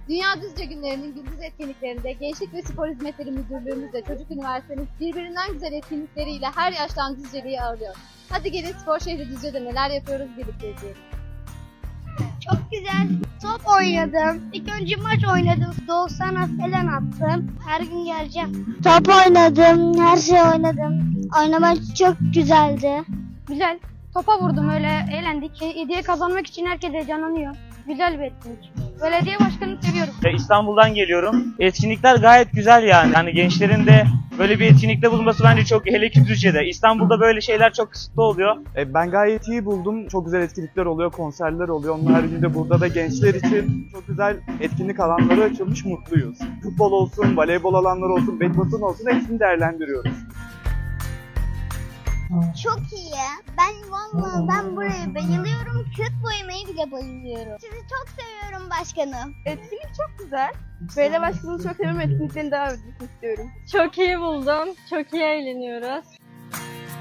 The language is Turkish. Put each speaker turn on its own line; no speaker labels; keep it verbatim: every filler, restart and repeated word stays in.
Dünya Düzce Günleri'nin gündüz etkinliklerinde Gençlik ve Spor Hizmetleri Müdürlüğümüzle Çocuk Üniversitemiz birbirinden güzel etkinlikleriyle her yaştan Düzceli'yi ağırlıyor. Hadi gelin spor şehri Düzce'de neler yapıyoruz birlikte izleyelim.
Çok güzel. Top oynadım. İlk önce maç oynadım. Doğusan'a falan attım. Her gün geleceğim. Top oynadım. Her şey oynadım. Oynamak çok güzeldi.
Güzel. Topa vurdum, öyle eğlendik. Hediye kazanmak için herkes heyecanlanıyor. Güzel bir etkinlik. Belediye başkanını seviyorum.
İstanbul'dan geliyorum. Etkinlikler gayet güzel yani. Yani gençlerin de böyle bir etkinlikte bulunması bence çok, hele ki Düzce'de. İstanbul'da böyle şeyler çok kısıtlı oluyor.
E, ben gayet iyi buldum. Çok güzel etkinlikler oluyor, konserler oluyor. Onun haricinde burada da gençler için çok güzel etkinlik alanları açılmış, mutluyuz. Futbol olsun, voleybol alanları olsun, badminton olsun hepsini değerlendiriyoruz.
Çok iyi. Ben vallahi ben buraya bayılıyorum. Kağıt boyamayı bile bayılıyorum. Sizi çok seviyorum başkanım.
Etkinlik çok güzel. Belediye başkanını çok seviyorum. Etkinliklerini devam etmesini istiyorum.
Çok iyi buldum. Çok iyi eğleniyoruz.